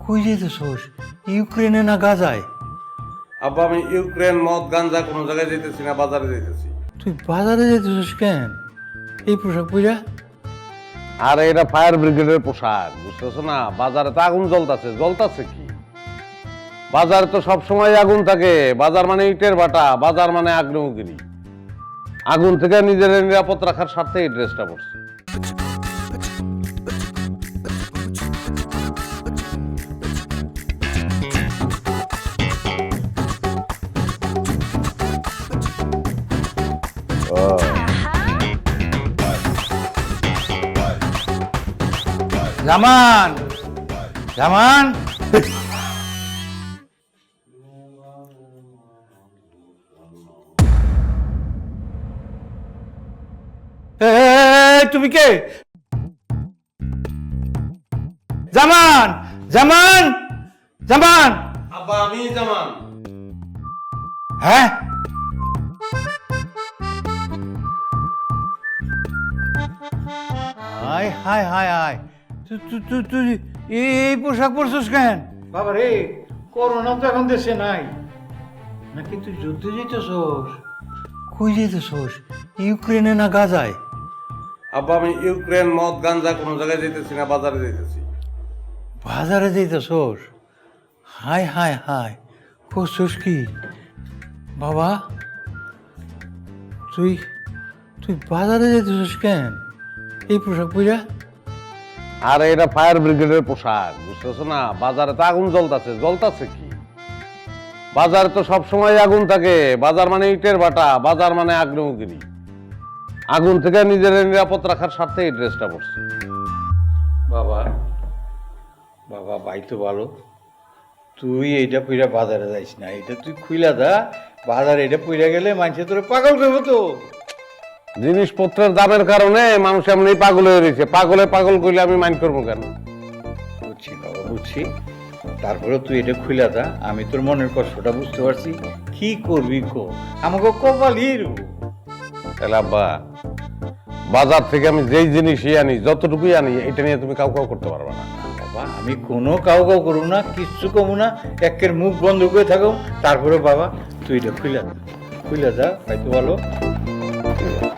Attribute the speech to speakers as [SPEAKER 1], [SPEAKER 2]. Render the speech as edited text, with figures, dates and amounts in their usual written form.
[SPEAKER 1] কই যেতেছোস? ইউক্রেনে না গাজায়?
[SPEAKER 2] আব্বা আমি ইউক্রেন মদ গাঞ্জা কোনো জায়গায় যেতেছি না, বাজারে যেতেছি।
[SPEAKER 1] তুই বাজারে যেতেছোস কেন এই পোশাক পইরা?
[SPEAKER 2] আর এটা ফায়ার ব্রিগেডের পোশাক, বুঝতেছো না? বাজারে তো আগুন জ্বলতাছে। জ্বলতাছে কি? বাজারে তো সব সময় আগুন থাকে। বাজার মানে ইটের ভাটা, বাজার মানে আগ্নেয়গিরি। আগুন থেকে নিজের নিরাপদ রাখার স্বার্থে এই ড্রেসটা পরছি।
[SPEAKER 1] জামান, জামান, তুমি কে? জামান, জামান, জামান।
[SPEAKER 2] আব্বা আমি জামান।
[SPEAKER 1] হ্যাঁ, হায় হায় হায় হায়, তুই এই পোশাক পরছিস কেন? বাবা রে, করোনা তো এখন দেশে নাই নাকি? তুই যুদ্ধে যেতেছোস? কই যেতেছোস? ইউক্রেনে না গাজায়?
[SPEAKER 2] আব্বা আমি ইউক্রেন মদ গাঞ্জা কোনো জায়গায় যেতেছি না, বাজারে যেতেছি।
[SPEAKER 1] বাজারে যেতেছোস? হায় হায় হায়, করছোস কি বাবা? তুই তুই বাজারে যেতেছোস কেন এই পোশাক পইরা?
[SPEAKER 2] আর এটা ফায়ার ব্রিগেডের পোশাক, বুঝতেছো না? বাজারে তো আগুন জ্বলতাছে। জ্বলতাছে কি? বাজারে তো সব সময় আগুন থাকে। বাজার মানে ইটের ভাটা, বাজার মানে আগ্নেয়গিরি। আগুন থেকে নিজের নিরাপদ রাখার স্বার্থে এই ড্রেসটা পরছি।
[SPEAKER 1] বাবা, বাবা ভাই তো ভালো, তুই এইটা পইরা বাজারে যাইস না। এটা তুই খুইলা দা, বাজারে এটা পইরা গেলে মানুষে তোরে পাগল করবো তো।
[SPEAKER 2] জিনিসপত্রের দামের কারণে মানুষ এমনি পাগল হয়ে রয়েছে। পাগল করলে আমি মাইন্ড করবো কেন?
[SPEAKER 1] বুঝছি বাবা, বুঝছি। তারপরে তুই এটা খুইলা দা, আমি তোর মনের কষ্টটা বুঝতে পারছি। কি করবি কো, আমাকে কপালই রূপ।
[SPEAKER 2] তাহলে আব্বা, বাজার থেকে আমি যেই জিনিসই আনি, যতটুকুই আনি, এটা নিয়ে তুমি কাউ করতে পারবে না।
[SPEAKER 1] বাবা আমি কোনো কাউ করবো না, কিচ্ছু কমু না, একের মুখ বন্ধ করে থাকো। তারপরে বাবা তুই এটা খুইলা দা, খুইলা দা, ভাই তো ভালো।